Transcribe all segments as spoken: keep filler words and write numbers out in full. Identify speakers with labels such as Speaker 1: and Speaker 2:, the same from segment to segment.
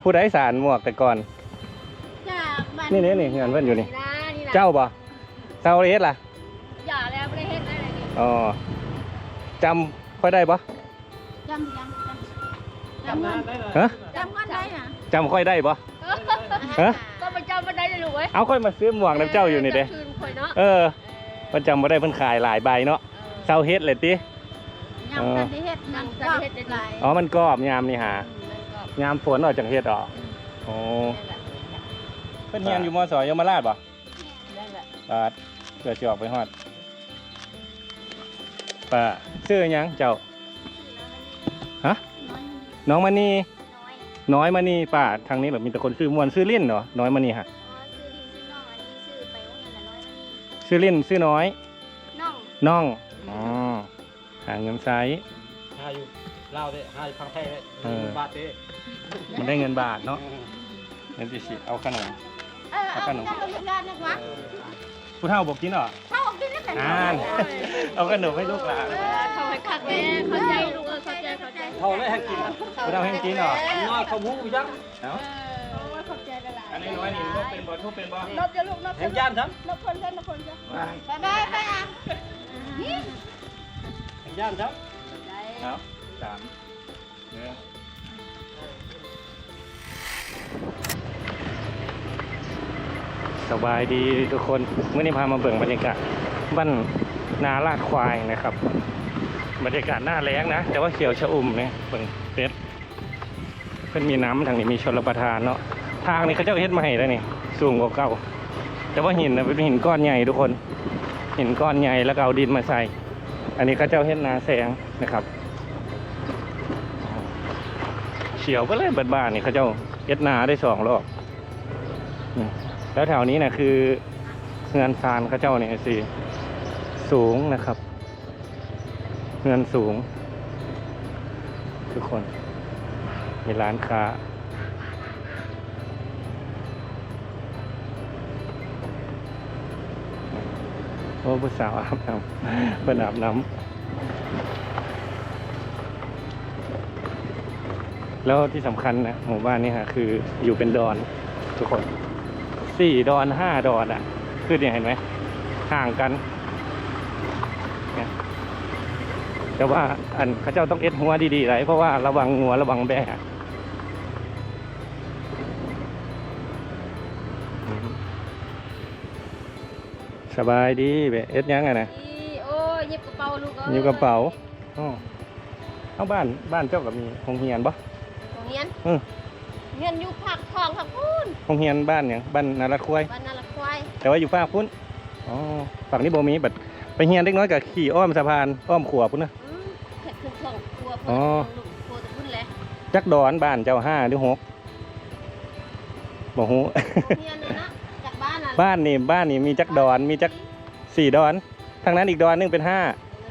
Speaker 1: ผู้ใดสารหมวกแต่ก่อนนี่นี่นี่เงินเพื่อนอยู่นี่เจ้าบ่เจ้าเฮ็ดล่ะ
Speaker 2: อย่าแล้วไม่ได้เฮ็ดอะไรนี่
Speaker 1: อ๋อจำค่อยได้ปะ
Speaker 2: จำยังจำได้เลย
Speaker 1: ฮะ
Speaker 2: จำกันได้นะ
Speaker 1: จำค่อยได้ปะฮะ
Speaker 2: ก็มาจำมาได้เลยลูกเว้ย
Speaker 1: เอาค่อยมาซื้อหมวกน้ำเจ้าอยู่นี่เด้เออมันจำมาได้เพิ่นขายหลายใบเนาะเจ้าเฮ็ดเลยติ
Speaker 2: ยำกันได้เฮ็ดยำกันเฮ็ดได้หลาย
Speaker 1: อ๋อมันกรอบยามนี่หายามฝนออกจากเฮ็ดออกโอ้เพิ่นเรียนอยู่ม.ส.ยมราชบ่บาดเกิดสิออกไปฮอดป้าชื่อหยังเจ้าฮะน้องมณีน้อยมณีป้าทางนี้แบบมีแต่คนชื่อมวนชื่อลิ่นเหรอน้อยมณีฮะชื่อลิ่นชื่อน้อยน้องอ๋อหาเงินไซส์
Speaker 3: หาอยู่เล่าได้หาอยู่พังแท้ได้บาทเด้
Speaker 1: มันได้เงินบาทเนาะเงินสิเอาขนม
Speaker 2: เอาขนม
Speaker 1: ผู้เฒ่าบอกกินเหรอ
Speaker 2: เฒ่าบอกกินแล้วแต่
Speaker 1: อ่านเอาขนมให้ลูกหลาน
Speaker 2: เขาให้ขัดแม่เข้าใจลูกเออเข้าใจเข้าใจ
Speaker 3: เฒ่าได้ให้กิน
Speaker 1: ผู้เฒ่าให้กินเหรอ
Speaker 3: น้อยเขาหูยักษ์
Speaker 1: เนาะ
Speaker 2: เข้าใจละลาย
Speaker 1: อันนี้น้อยนี่นกเป็นบ่ทุบเป็นบ่
Speaker 2: นกจะลูกนก
Speaker 3: เห็นย่านซ้
Speaker 2: ำนกคนเล่นนกคนจ้ะไปไปไปอ่ะ
Speaker 3: เห็นย่านซ้
Speaker 1: ำเอาสามเนื้อสบายดีทุกคนเมื่อนี้พามาเบิ่งบรรยากาศบ้านนาลาดควายนะครับบรรยากาศหน้าแล้งนะแต่ว่าเขียวชอุ่มเนี่ยเบิ่งเป็ดเพิ่นมีน้ำทางนี้มีชลประทานเนาะทางนี้เขาเจ้าเฮ็ดมาให้แล้วนี่สูงกว่าเก่าแต่ว่าหินนะเป็นหินก้อนใหญ่ทุกคนหินก้อนใหญ่แล้วก็เอาดินมาใส่อันนี้เขาเจ้าเฮ็ดนาแสงนะครับเฉียวก็เลยเบิดบ้านนี่เขาเจ้าเฮ็ดนาได้สองรอบแล้วแถวนี้นะคือเงินซานเขาเจ้าเนี่ยสิสูงนะครับเงินสูงทุกคนมีร้านค้าโอ้ผู้สาวอาบน้ำเป็นอาบน้ำแล้วที่สำคัญนะหมู่บ้านนี้ฮะคืออยู่เป็นดอนทุกคนสี่ดอนห้าดอนอ่ะคือเนี่ยเห็นไหมห่างกันแต่ว่าอันเขาเจ้าต้องเอ็ดหัวดีๆไรเพราะว่าระวังงัวระวังแบะสบายดีแบะเอ็ดยังไงนะ
Speaker 2: โอ้ยยิบกระเป๋าลูก
Speaker 1: ยิบกระเป๋าอ๋อเอาบ้านบ้านเจ้ากับมีโรงเรียนปะ
Speaker 2: โรงเรียนเออเรียนอยู่ภาคทองภาคพุ้น
Speaker 1: โรงเรียนบ้านอย่างบ้านนาละควาย
Speaker 2: บ้านนาละควาย
Speaker 1: แต่ว่าอยู่ภาคพุ้นอ๋อฝั่งนี้โบมีแบบไปเรียนเล็กน้อยกับขี่อ้อมสะพานอ้อมขวบพุ้นนะ
Speaker 2: เผ็ดคือของครัวอ๋อครัวตะพุ้นแหละ
Speaker 1: จักดอนบ้านเจ้าห้าหรือหกบอกหูบ้านนี่บ้านนี่มีจักดอนมีจักสี่ดอนทางนั้นอีกดอนนึงเป็นห้า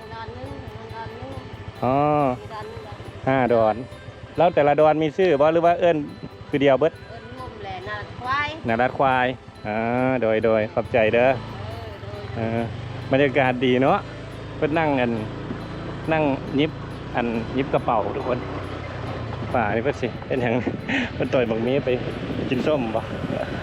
Speaker 1: อ๋อห้าดอนแล้วแต่ละดอนมีชื่อบ่หรือว่าเอิ้นคือเดียวเบิด
Speaker 2: เอิ้นงมแหละนาควาย
Speaker 1: นารัดควายอ่าโดยโดยขอบใจเด้อเออบรรยากาศดีเนาะเพิ่นนั่งกันนั่งยิบอันยิบกระเป๋าทุกคนป่านี่เพิ่นสิเป็นหยังเพิ่นต่อยบักมีไปกินส้มบ่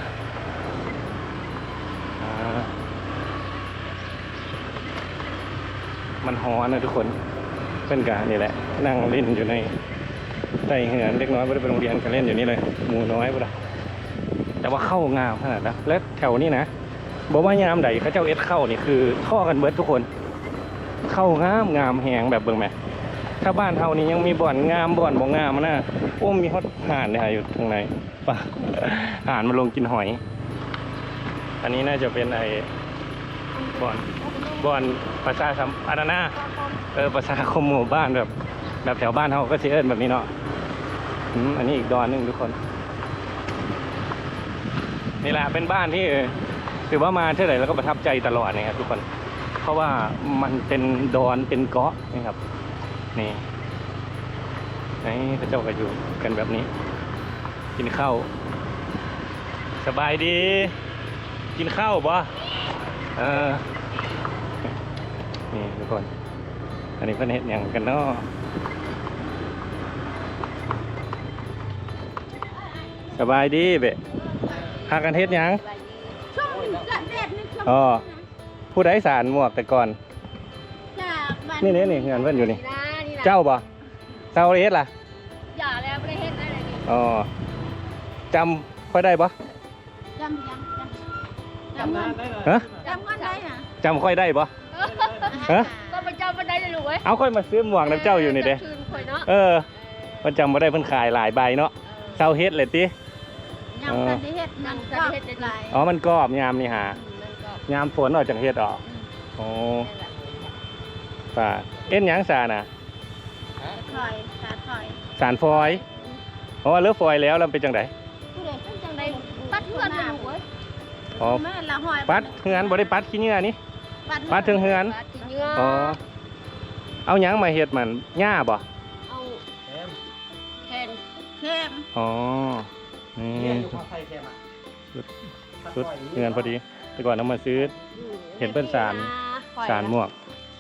Speaker 1: มันฮ้อนนะทุกคนเป็นการนี่แหละนั่งเล่นอยู่ในใต้เหือนเล็กน้อยไม่ได้ไปโรงเรียนกันเล่นอยู่นี่เลยหมู่น้อยป่ะแต่ว่าเข้างามขนาดนั้นและแถวนี้นะบอกว่ายามใดเขาเจ้าเอสเข้านี่คือท่อกันเบิดทุกคนเข้างามงามแหงแบบเบิ่งไหมถ้าบ้านเท่านี้ยังมีบ่อนงามบ่อนบ่งามนะโอ้มีฮอตห่านเนี่ยอยู่ทางไหนป่ะห่านมาลงกินหอยอันนี้น่าจะเป็นไอ้บ่อนบ่อนประชาสัมพันธ์นะเออประชาคมหมู่บ้านแบบแบบแถวบ้านเขาก็เชื่อแบบนี้เนาะอันนี้อีกดอนหนึ่งทุกคนนี่แหละเป็นบ้านที่ถือว่ามาเท่าไหร่แล้วก็ประทับใจตลอดนะครับทุกคนเพราะว่ามันเป็นดอนเป็นเกาะนะครับนี่นี่พระเจ้าก็อยู่กันแบบนี้กินข้าวสบายดีกินข้าวบ่เออนี่ทุกคนอันนี้เพื่อนเห็นอย่างกันเนาะสบายดีเบะหากันเฮ็ดหยัง
Speaker 2: ช่วงละเด็ดนี่ช่วง
Speaker 1: อ๋อผู้ใดสารหมวกแต่ก่อน
Speaker 2: จากบ้าน
Speaker 1: นี่นี่นี่เงินเพิ่นอยู่นี่
Speaker 2: นี่นะนี่นะ
Speaker 1: เจ้าบ่เจ้าเฮ็ดล่ะ
Speaker 2: อย่าแล้วไม่ได้เฮ็ดอะไรนี่
Speaker 1: อ๋อจำค่อยได้บ่
Speaker 2: จำยังจำจำ
Speaker 3: จำ
Speaker 2: เงิ
Speaker 3: นาน นได้เลย
Speaker 1: ฮะ
Speaker 2: จำเงินได้นะ
Speaker 1: จำค่อยได้บ่ฮะ
Speaker 2: ก็ไปจำมันได้เลยลูกเว้ย
Speaker 1: เอาค่อยมาซื้อหมวกน้ำเจ้าอยู่นี่เด้
Speaker 2: คืนข่อยเนาะ
Speaker 1: เออมันจำบ่ได้เพิ่นขายหลายใบเนาะเจ้าเฮ็ดเลยติ
Speaker 2: ยังทันได้เฮ็ดยังทันได้เฮ็ดได้หลาย
Speaker 1: อ๋อมันกรอบยามนี่หา
Speaker 2: มันก็
Speaker 1: ยามฝนออกจากเฮ็ดออกโอ้
Speaker 2: นั่นแหละ
Speaker 1: ป่าเอ็นหยังซาน่ะ
Speaker 2: ถอยสาถอย
Speaker 1: สารฟอยอ๋อเลิกฟอยแล้วแล้วเป็นจังได
Speaker 2: ผู้ใดขึ้นจังไดปัดเพื่อนลูกเว้ย
Speaker 1: อ๋อ
Speaker 2: แม่ละหอย
Speaker 1: ปัดเฮือนบ่ได้ปัดขี้เหงื่อนี่ ปัดถึงเฮือน
Speaker 2: ปัดถึงเฮือน
Speaker 1: อ๋อเอาหยังมาเฮ็ดมันหญ้าบ่
Speaker 2: เอา
Speaker 3: แคม
Speaker 2: แคนเข้ม
Speaker 1: อ๋อนี่
Speaker 3: เนี่ยอยู่ข้างไทยแคมอ่ะ
Speaker 1: ชุดเงินพอดีแต่ก่อนเอามาซื้อ เห็นเพิ่นสาร สารหมวก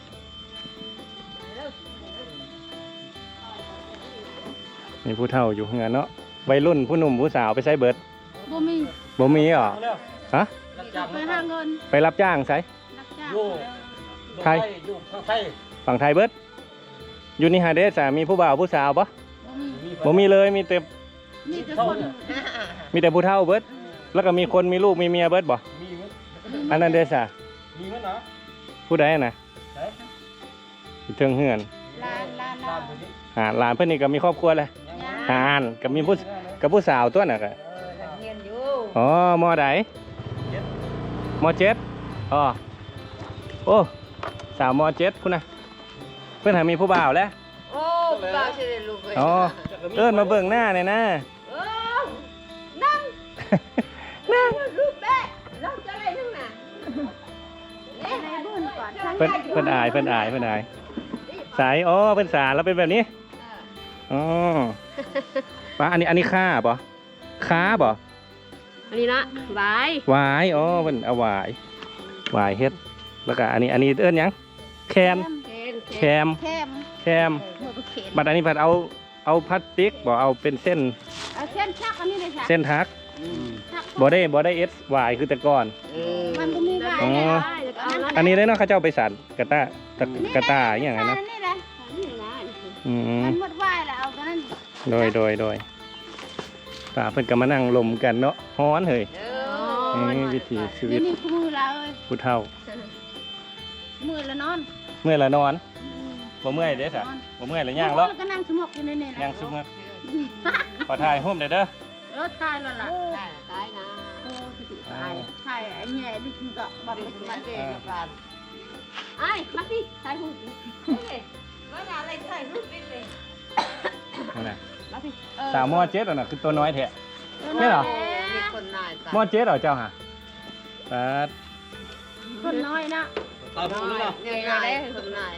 Speaker 1: มีผู้เฒ่าอยู่เฮือนเนาะวัยรุ่นผู้หนุ่มผู้สาวไปใช้เบิด
Speaker 2: บ่มี
Speaker 1: บ่มีเหรอ
Speaker 3: เอาเร็ว
Speaker 1: ฮะ
Speaker 3: รับจ้าง
Speaker 2: ไปหาเงิน
Speaker 1: ไปรับจ้างใช้
Speaker 2: รับจ้าง
Speaker 3: อยู่
Speaker 1: ใคร
Speaker 3: อยู่ข้างไทย
Speaker 1: ฝั่งไทยเบิดอยู่นี่หาเด้สามีผู้บ่าวผู้สาวปะ
Speaker 2: บ่มี
Speaker 1: บ่มีเลยมีแต่
Speaker 2: มีแต่คน
Speaker 1: มีแต่ผู้เฒ่าเบิดแล้วก็มีคนมีลูกมีเมียเบิดบ่
Speaker 3: มีมั้ย
Speaker 1: อันนั้นเด้สา
Speaker 3: มีมั้ยเนาะ
Speaker 1: ผู้ใดน่ะ
Speaker 3: ใช่
Speaker 1: อยู่เทิงเฮือน
Speaker 2: ลานลาน
Speaker 3: ตา
Speaker 2: ลาม น
Speaker 3: อยู่นี่
Speaker 1: หาหลานเพิ่นนี่ก็มีครอบครัวเลยหานก็มีผู้กับผู้สาวตัวน่ะก็
Speaker 2: เรียนอยู่
Speaker 1: อ๋อมอใดมอเจ็ดอ๋อโอ้สาวมอเจ็ดพุ่นน่ะเพิ่นหามีผู้บ่าวแล้ว
Speaker 2: โอ้บ่าวสิได้ลูกเว้ย
Speaker 1: อ๋อเอิ้นมาเบิ่งหน้าหน่อยนะ
Speaker 2: เออนั่ง
Speaker 1: นั่ง
Speaker 2: ลูกแม่เราจะอะไรนั่งน่ะเอ๊ะให้เบิ่นก่อน
Speaker 1: เพิ่นเพิ่นอายเพิ่นอายเพิ่นอายสายอ๋อเพิ่นสารแล้วเป็นแบบนี้อ๋อป้าอันนี้อันนี้ค่าบ่ค้าบ่
Speaker 2: อันนี้นะบาย
Speaker 1: หวายอ๋อเพิ่นเอาหวายหวายเฮ็ดแล้วก็อันนี้อันนี้เอิ้นหยังแคน
Speaker 2: เคน
Speaker 1: แคม
Speaker 2: แคม
Speaker 1: แคม
Speaker 2: เออเคน
Speaker 1: บัดอันนี้ผัดเอาเอาพลาสติกบ่เอาเป็นเส้น
Speaker 2: เอาเส้นชักอันนี้เลยค่ะ
Speaker 1: เส้นทัก
Speaker 2: ชัก
Speaker 1: บ่ได้บ่ได้เอสหวายคือแต่ก่อน
Speaker 2: มันก็มีได้
Speaker 1: อ๋อ อันนี้ได้เนาะเขาเจ้าไปสั่นกระต้ากระกระต้าอหย่างนั้นเนาะ
Speaker 2: นี่แหละนี่นะ
Speaker 1: อืม
Speaker 2: มันหมดไหวแล้วเอาตัวนั้น
Speaker 1: โดยโดยโดยป่าเพิ่นก็มานั่งลมกันเนาะฮ้อนเฮ้ย
Speaker 2: เออ
Speaker 1: นี่วิถีชีวิ
Speaker 2: นี่
Speaker 1: ต
Speaker 2: นี่คือมือเราเอ้ย
Speaker 1: ผู้เฒ่า
Speaker 2: มือละนอน
Speaker 1: เมื่อยละนอนบ่เมื่อยเด้ซะบ่เมื่อยละย่าง
Speaker 2: แล้
Speaker 1: แล้ว
Speaker 2: วก็นั่งสมกอยู่ในนี่แหละ
Speaker 1: ย่างซุมื้อขอถ่ายรูปได้เด้อ
Speaker 2: เออตายแล้วล่ะตายตายนะโอ้สิตายใช่ไอ้แง่ดิฉันก็บัดมาเองกันไอ้มาสิถ่ายรูปเอ้ยว่าอะไรถ่ายรูปดิเลย
Speaker 1: นั่นน่ะ
Speaker 2: มาสิ
Speaker 1: สาวมอเจ็ดอ่ะน่ะคือตัวน้อยแท้ ไม่เหรอ
Speaker 2: มีคนน้อย
Speaker 1: มอเจ็ดเหรอเจ้าฮะปาด
Speaker 2: คนน้อยนะ
Speaker 3: ตามผมเลยเนาะ
Speaker 2: เนี่ยได้คนน้อย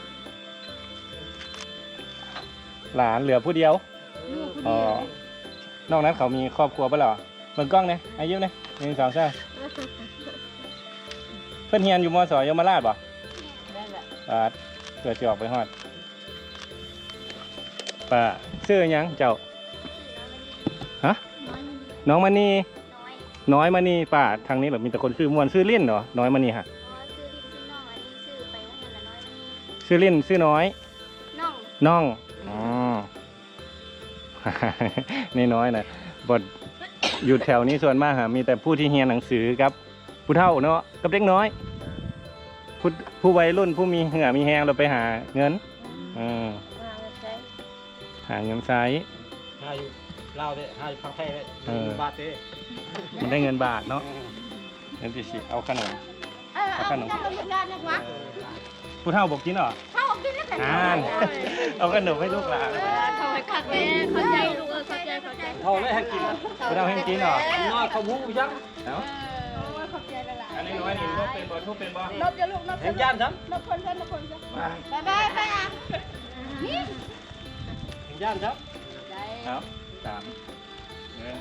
Speaker 1: หลานเหลือผู้เดียวอ๋อนอกนั้นเขามีครอบครัวปะเหรอเบิ่งกล้องเนี่ยอายุเนี่ยหนึ่งสองสามเพิ่นเฮียนอยู่มอสอยมราชบ่
Speaker 2: ได้แหละ
Speaker 1: ปาดเกิดจะออกไปฮอดป้าชื่อหยังเจ้าฮะน้องมณีน้อยมณีป้าทางนี้เหรอมีแต่คนชื่อมวนชื่อลิ่นเหรอน้อยมณีฮะ
Speaker 4: อ๋อชื่อลินชื่อน้องอันนี้ชื่อไปว่าเงินละน้อยมัน
Speaker 1: ชื่อลิ่นชื่อน้อย
Speaker 4: น้อง
Speaker 1: น้องอ๋อ นี่น้อยนะบทอยู่แถวนี้ส่วนมากฮะมีแต่ผู้ที่เรียนหนังสือกับผู้เฒ่าเนาะกับเด็กน้อยผู้ผู้วัยรุ่นผู้มีเหงื่อมีแหงเราไปหาเงินอืม
Speaker 2: มาแล้วใช่
Speaker 1: หาเงินใช้
Speaker 3: หาอยู่ลาวเด้หาอยู่พังไทยเด้
Speaker 1: เออ
Speaker 3: บาทเด้
Speaker 1: มันได้เงินบาทเนาะเงินที่สิเอาขนม
Speaker 2: เออเอาขนมงานนะวะ
Speaker 1: ผู้เฒ่าบอกกินเหรอ
Speaker 2: เข้ากินแล้วกัน
Speaker 1: อ่าน เอาขนมให้ลูกหลาน
Speaker 2: เข้าให้คักแม่เข้าใจลูกเออเข้าใจเข้าใจ
Speaker 3: เท่าเลยให้กินนะ
Speaker 1: ผู้เฒ่าให้กินเหรอ
Speaker 3: น้อยเขาหูยักษ์
Speaker 1: เอ้า
Speaker 2: เข้าใจแล้วล่ะ
Speaker 1: อันนี้น้อยนี่ลบเป็นบ่ทุบเป็นบ่
Speaker 2: ลบจะลูกลบ
Speaker 3: เห็นย่านซ้ำ
Speaker 2: ลบคนลบคนซะ
Speaker 1: มา
Speaker 2: บายบายไปอ่ะ
Speaker 3: เห็นย่านซ้
Speaker 1: ครับสามเงิน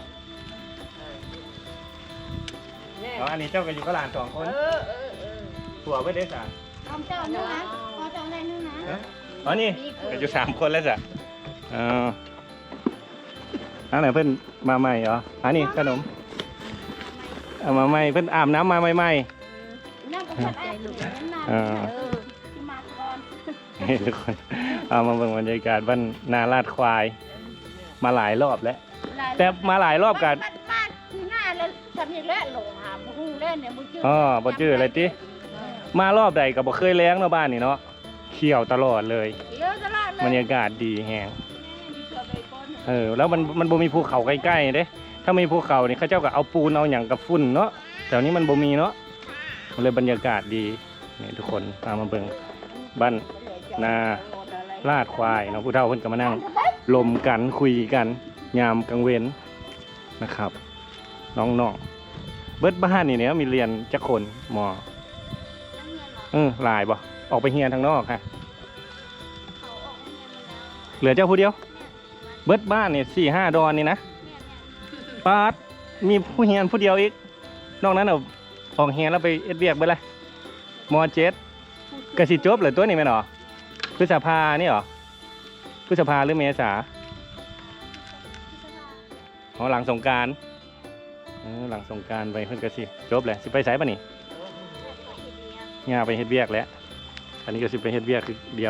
Speaker 1: อ๋ออันนี้เจ้าก็อยู่กับหลานสองคน
Speaker 2: เออเออเออ
Speaker 1: ผัวไม่ได้สาม
Speaker 2: เอาเจ้านึงนะพอเจ้าได้นึงนะ
Speaker 1: อ๋อนี่ก็อยู่สามคนแล้วจ้ะอ๋อออันไหนเพิ่นมาใหม่เหรออันนี้ขนมเอามาใหม่เพิ่นอาบน้ำมาใหม่
Speaker 2: นั่งกับคนใจลูกนั่นน่ะ
Speaker 1: ๆเออ
Speaker 2: เออที่มาก่อน
Speaker 1: ให้ทุกคนเอามาเบิ่งบรรยากาศบ้านนาลาดควาย มาหลายรอบแล้ว แต่มาหลายรอบกัน
Speaker 2: บ้านบ้านคือหน้าแล้วทำอย่างแรกหลงหาบุ้งเล่นเนี่ยมึงชื่อ
Speaker 1: อ๋อบ่จื้ออะไรติมารอบใดก็บ่เคยแล้งเนาะบ้านนี่เนาะเขียวตลอดเลย
Speaker 2: เยอะตลอดเลย
Speaker 1: บรรยากาศดีแฮง
Speaker 2: มีเสือใบก้น
Speaker 1: เออแล้วมันมันบ่มีภูเขาใกล้ๆเด้ถ้ามีภูเขานี่เขาเจ้าก็เอาปูนเอาหยังกับฝุ่นเนาะแถวนี้มันบ่มีเนาะเลยบรรยากาศดีนี่ทุกคนตามมาเบิ่งบ้านนาลาดควายเนาะผู้เฒ่าเพิ่นก็มานั่งลมกันคุยกันยามกลางเว้นนะครับน้องๆเบิดบ้านนี่เนี่ยมีเรียนจักคนมอ
Speaker 4: นักเรียนเหรอ
Speaker 1: เออหลายบ่ออกไปเฮียนทางนอกค่ะ
Speaker 4: เขาออกโรงเรียนมาแล้ว
Speaker 1: เหลือเจ้าผู้เดียว
Speaker 4: เนี่ย
Speaker 1: เบิดบ้านนี่สี่ห้าดอนนี่นะ
Speaker 4: เนี่ยเนี่ย
Speaker 1: ปาดมีผู้เฮียนผู้เดียวอีกนอกนั้นเอาออกเฮียนแล้วไปเอ็ดเวียกไปเลยมอเจ็ดกสิจบเหรือตัวนี้แม่นหรอพฤษภานี่หรอพฤษภาหรือเมษา
Speaker 4: พฤษภา
Speaker 1: อ๋อหลังสงกรารหลังสงกรารไปเพิ่นกสิจบเลยสิไปไสป่ะนี่
Speaker 4: เนี่ยตัวเฮ็ดเวียก
Speaker 1: ย่าไปเฮ็ดเวียกแล้วอันนี้ก็สิไปเฮ็ดเวียกคือเดียว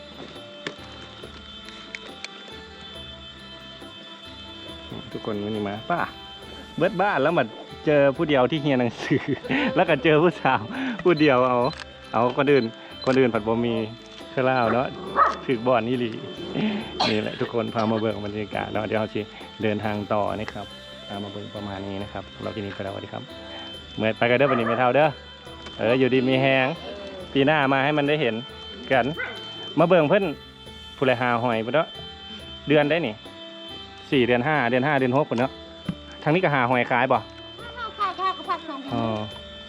Speaker 1: ทุกคนวันนี้มาป้าเบิดบ้านแล้วมาเจอผู้เดียวที่เฮียนหนังสือ แล้วก็เจอผู้สาวผู้เดียวเอาเอาคนอื่นคนอื่นผัดบ่มีเครื่องเล่าเนาะถึกบ่อนนี่หลี นี่แหละทุกคนพามาเบิ่งบรรยากาศแล้วเดี๋ยวเราสิเดินทางต่อนะครับพามาเบิ่งประมาณนี้นะครับเราที่นี่ก็แล้วสวัสดีครับเมื่อไปกันเด้อวันนี้ไม่เท่าเด้อเอออยู่ดีมีแฮงปีหน้ามาให้มันได้เห็นกันมาเบิ่งเพิ่นผู้ไรหาหอยพุ่นเนาะเดือนได้นี่สี่เดือนห้าเดือนห้าเดือนหกพุ่นเนาะทางนี้ก็หาหอยขายบ่
Speaker 2: ข้าวข้าวข้าวก็พักสอง
Speaker 1: อ๋อ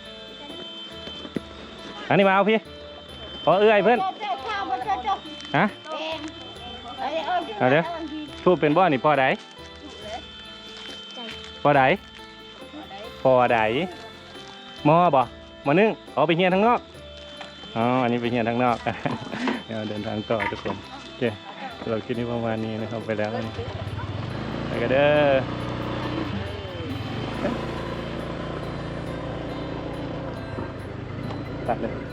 Speaker 1: อันนี้มาเอาพี่ขอเอื้อยเพื่อน
Speaker 2: เจ้าข้าวมาเจ้าเจ้า
Speaker 1: ฮะ
Speaker 2: เองเอาเดี๋ยว
Speaker 1: เอาเดี๋ยว ทูบเป็นบ่อนี่พ่อใดพ่อใดพ่อใดหมอบ่หมอนึ่งเอาไปเฮียนทางนอกอ๋ออันนี้ไปเฮียนทางนอก เดี๋ยวเดินทางต่อทุกคนโอเคเราคิดนี้ประมาณนี้นะครับไปแล้วนี่ไปกันเด้อตัดเลย